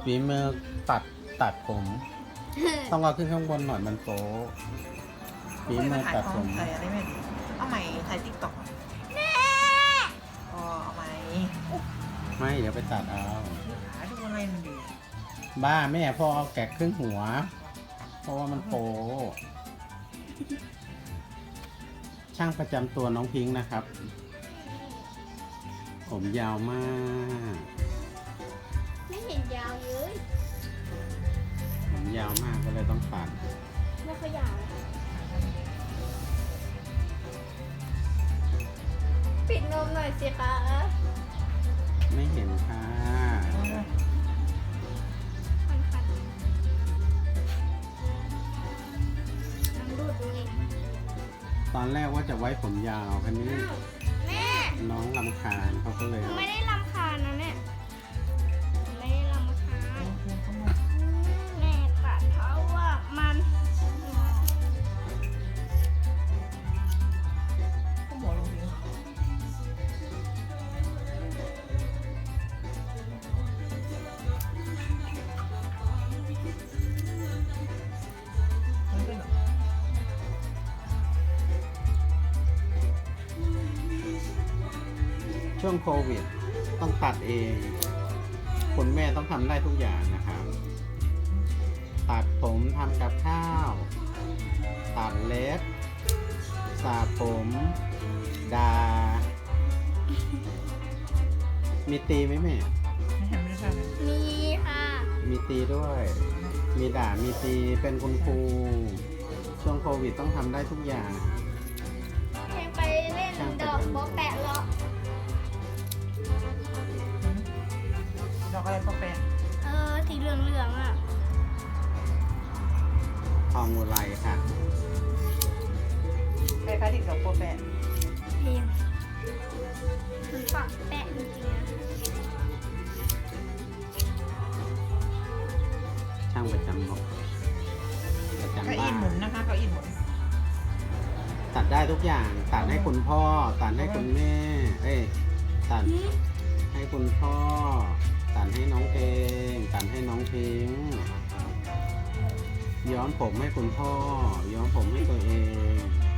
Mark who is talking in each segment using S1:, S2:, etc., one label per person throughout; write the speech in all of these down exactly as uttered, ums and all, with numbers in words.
S1: ฝีมือตัดตัดผม ต้องเอาขึ้นข้างบนหน่อยมันโป๊ะฝีมือตัดผม
S2: ถ่ายอะไรไม่ดีเอาใหม่ถ่ายติ๊กต็อกอ๋อเอาใหม่
S1: ไม่เดี๋ยวไปตัดเอา
S2: หาดูอะไรมันดี
S1: บ้าแม่พ่อเอาแกะครึ่งหัว เพราะว่ามันโป๊ะช่างประจำตัวน้องพิงค์นะครับ ผมยาวมาก
S3: ไม่เห็นยาวเลย
S1: ผมยาวมากก็เลยต้องตัด
S3: ไม่ค่อยยาวปิดนมหน่อยสิคะ
S1: ไม่เห็นค่ะ
S3: คันคันน้ำดูดดูนี่
S1: ตอนแรกว่าจะไว้ผมยาวคันนี้
S3: อ้าวแม่
S1: น้องลำคาญเขาก็เลย
S3: หนู
S1: เอา
S3: ไม่ได้รำคาญนะแม่หนูไม่ได้รำคาญแม่ตัดเพราะว่ามัน
S2: ก็หมอลงนี้มันเป็นแบบ
S1: ช่วงโควิดต้องตัดเองคุณแม่ต้องทำได้ทุกอย่างนะครับ ตัดผมทำกับข้าว ตัดเล็บสระผมดา มีตีไหมแม่
S2: ไม่เห็นไม่ได้เลย
S3: มีค่ะ
S1: มีตีด้วย มีด่ามีตีเป็นคุณครูช่วงโควิดต้องทำได้ทุกอย่าง
S3: เพลงไปเล่นดอกโบแปะเหรอ
S2: ดอกอะไรปะแปะ
S3: เออสีเหลืองๆอ่ะ
S1: ทองอุไรค่ะ
S2: คล้ายๆที่ดอกปะแปะ
S3: เพลงมันฝักแปะจริงๆนะ
S1: ช่างประจำบอกประจำ
S2: เก้า
S1: บ้า
S2: อี้หมุน
S1: น
S2: นะคะเก้าอี้หมุน
S1: ตัดได้ทุกอย่าง ตัดให้คุณพ่อ ตัดให้คุณแม่ เอ้ย ตัด
S3: หืม
S1: ให้คุณพ่อ ตัดให้น้องเองตัดให้น้องพิงค์ย้อมผมให้คุณพ่อ ย้อมผมให้ตัวเอง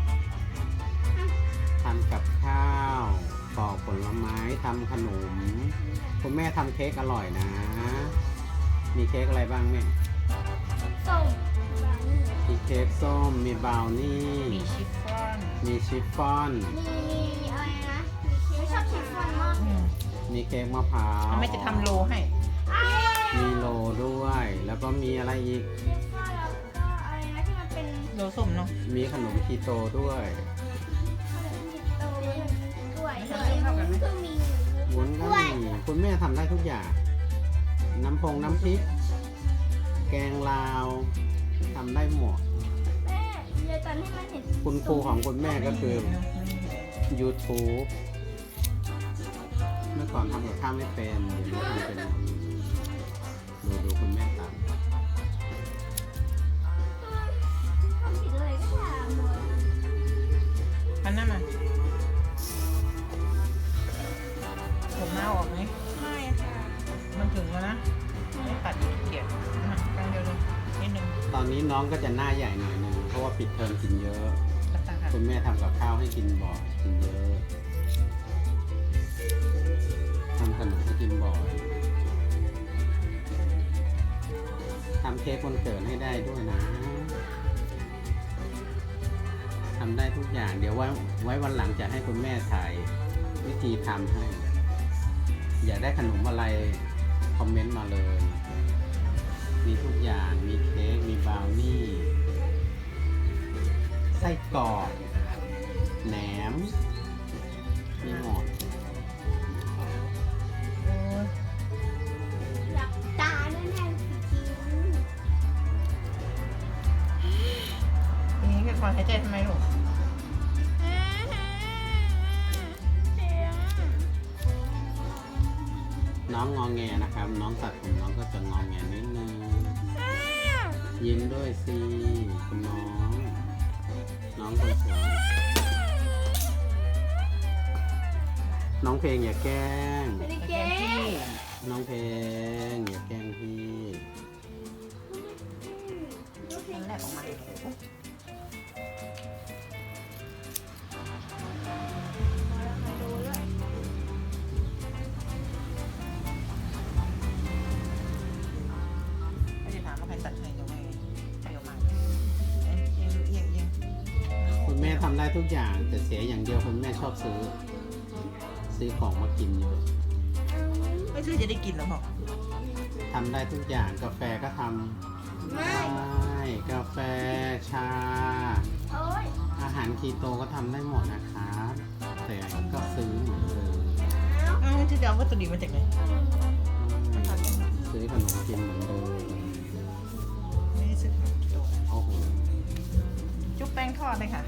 S1: ทำกับข้าวปอกผลไม้ทำขนม คุณแม่ทำเค้กอร่อยนะ มีเค้กอะไรบ้างแม่
S3: ส้มบราวนี่
S1: มีเค้กส้ม มีบราวนี่
S2: มีชิฟฟ่อน
S1: มีชิฟฟ่อน
S3: มีมีอะไรนะไม่ชอบชิฟฟ่อนมาก
S2: อืม
S1: มีเค้กมะพร้าว
S2: เอาแม่จะทำโลให้
S1: มีโลด้วย แล้วก็มีอะไรอีก
S3: ชิฟฟ่อนแล้วก็อะไรนะที่มันเป็น
S2: โลส้มเนาะ
S1: มีขนมคีโตด้วย
S3: ขนมจีบโตกล้วยเฮ้ยมันก็มี
S1: วุ้นก็มีคุณแม่ทำได้ทุกอย่าง น้ำพงน้ำพริก แกงลาวทำได้หมด
S3: แม่ยายจันให้มันเห็น
S1: คุณครูของคุณแม่ก็คือ YouTube เมื่อก่อนทำกับข้าวไม่เป็นเดี๋ยวนี้ทำเป็นหมดดูดูคุณแม่ท
S3: ทำผิดอะไรก็ทำหมด
S2: อันนั้นมาผมหน้าออกไหม
S3: ไม่ค่ะ
S2: มันถึงแล้วนะ ไม่ตัดอีกเกียรกลางเดียวเลยนิดนึง
S1: ำตอนนี้น้องก็จะหน้าใหญ่หน่อยหนึงเพราะว่าปิดเทอมกินเยอะ
S2: ตัดตาค่ะ
S1: คุณแม่ทำกับข้าวให้กินบ่อยกินเยอะทำขนมให้กินบ่อยทำเค้กวันเกิดให้ได้ด้วยนะทำได้ทุกอย่าง เดี๋ยวไว้ไว้วันหลังจะให้คุณแม่ถ่ายวิธีทำให้ อยากได้ขนมอะไรคอมเมนต์มาเลย มีทุกอย่างมีเค้กมีบราวนี่ ไส้กรอกแหนมมีหมด
S2: โอ้ย
S3: หลับตาด้วยแน่จริง
S2: อย่างนี้คือความหายใจทำไมลูก
S1: น้องงอแงนะครับ น้องตัดผมน้องก็จะงอแงนิดนึง ยิ้มด้วยสิคุณน้อง น้องคนสวยน้องเพลงอย่าแกล้ง
S3: ไม่ได้
S2: แก
S3: เก๊
S2: งที่
S1: น้องเพลงอย่าแกล้งพี่ทำได้ทุกอย่างแต่เสียอย่างเดียวคุณแม่ชอบซื้อ ซื้อของมากินอยู่
S2: ไม่ซื้อจะได้กินแล้วบอก
S1: ทำได้ทุกอย่างกาแฟก็ทำ
S3: ไม่
S1: ได้กาแฟชา
S3: โอ๊ย
S1: อาหารคีโตก็ทำได้หมดนะครับแต่ก็ซื้อเหมือนเดิม
S2: อ้าวจะเอาวัตถุดิบมาจากไหน
S1: ซื้อขนมกินเหมือนเดิม
S2: ไม่ได้ซื้อของกิโล
S1: โอ้โห
S2: จุ๊บแป้งทอดเลยค่ะ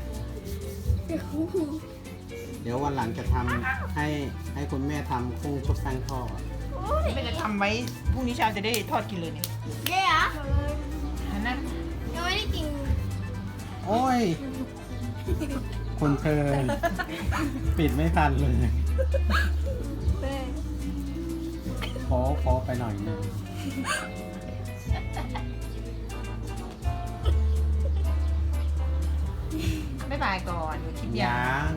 S1: เดี๋ยววันหลังจะทำให้ให้คุณแม่ทำกุ้งชุบแป้งทอด
S2: ไม่ได้ทำไว้พรุ่งนี้เช้าจะได้ทอดกินเลยเนี่ย
S3: เดี๋ยว
S2: อันนั้น
S3: ยังไม่ได้กิน
S1: โอ้ยคนเทินปิดไม่ทันเลยโค้โค้ไปหน่อยหนึง
S2: บ๊ายบายก่อนอยู่คลิปยา
S1: ยัง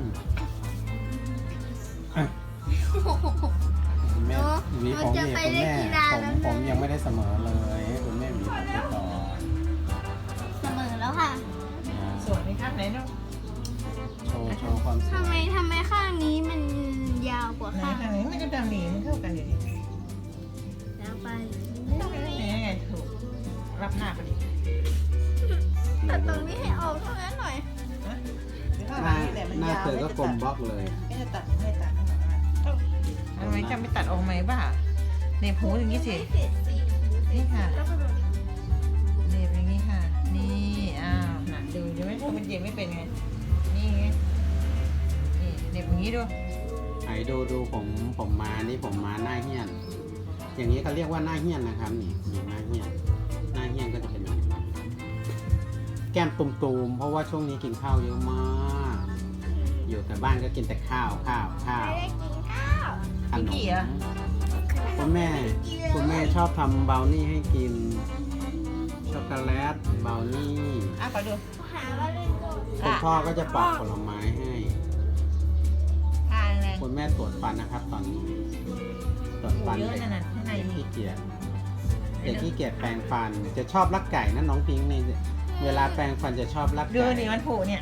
S1: คุณแม่หวีผมเนี่ยคุณแม่ผมผมยังไม่ได้เสมอเลยให้คุณแม่หวีผมไปก่อน
S3: เสมอแล้วค่ะ
S2: สวยไหมครับไหนดู
S1: โชว์โชว์ความสวย
S3: ทำไมทำไมข้างนี้มันยาวกว่า
S2: ไหน
S3: ข้าง
S2: ทางนี้มันก็ดำหนีมันเข้ากันอยู่ดิ
S3: ยาวไป
S2: ไหนไงถูกรับหน้าพอดี
S3: ตัดตรงนี้ให้ออกเท่านั้นหน่อย
S2: นะ
S1: หน้าหน้าเธอก็กลมบล็อกเลย
S2: ไม่จะตัดไม่ตัดทำไมจะไม่ตัดออกไหมบ้าเน็บหูอย่างนี้สิ
S3: เศษสี
S2: นี่ค่ะ
S3: แล้วก็แบบนี้
S2: เน็บอย่างนี้ค่ะ นี่อ้าวน่ะดูดูไหมเขาเป็นเย็บไม่เป็นไงนี่ไงนี่เน็บอย่างนี้ดู
S1: ไหนดูดูผมผมมานี่ผมมาหน้าเฮี้ยน อย่างนี้เขาเรียกว่าหน้าเฮี้ยนนะครับนี่นี่หน้าเฮี้ยนหน้าเฮี้ยนก็จะเป็นแบบนี้แก้มตุ่มๆเพราะว่าช่วงนี้กินข้าวเยอะมาก อยู่แต่บ้านก็กินแต่ข้าวข้าวข้าว
S3: ไม่ได้กินข้าว
S1: ขนม
S2: กี่เหรอ
S1: คุณแม่คุณแม่ชอบทำบราวนี่ให้กินช็อกโกแลตบราวนี่
S2: อ่ะขอดู
S3: หาว่าเล่นโลก
S1: คุณพ่อก็จะปอกผลไม้ให้
S2: อ่านเลย
S1: คุณแม่ตรวจฟันนะครับ ตอนนี้ตรวจฟัน
S2: เยอะ
S1: เด็ก
S2: นั่นน่ะข้างใน
S1: เด็ก
S2: นี่
S1: ขี้เกียจเด็กขี้เกียจแปรงฟัน จะชอบลักไก่นะน้องพิงค์นี่เวลาแปรงฟันจะชอบลัก
S2: ดู
S1: ไก่
S2: นี่มันผูเนี่ย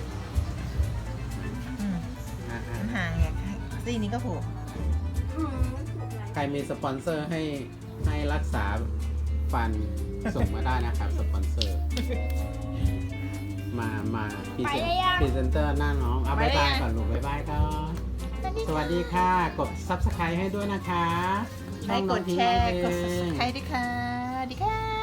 S2: อืม
S1: อ่ะอ่ะ
S2: มันห่างไงซี่นี้ก็ผู
S3: อืมมันถูกแล้ว
S1: ใครมีสปอนเซอร์ให้ให้รักษาฟันส่งมาได้นะครับ สปอนเซอร์ มามาพรีเซนพรีเซนเตอร์หน้าน้องเอาบายบายก่อนลูกบายบายก่อนสวัสดีค่ะ กดซับสไครต์ให้ด้วยนะคะ
S2: ใช้กดแชร์กด subscribe ด้วยค่ะดีค่ะ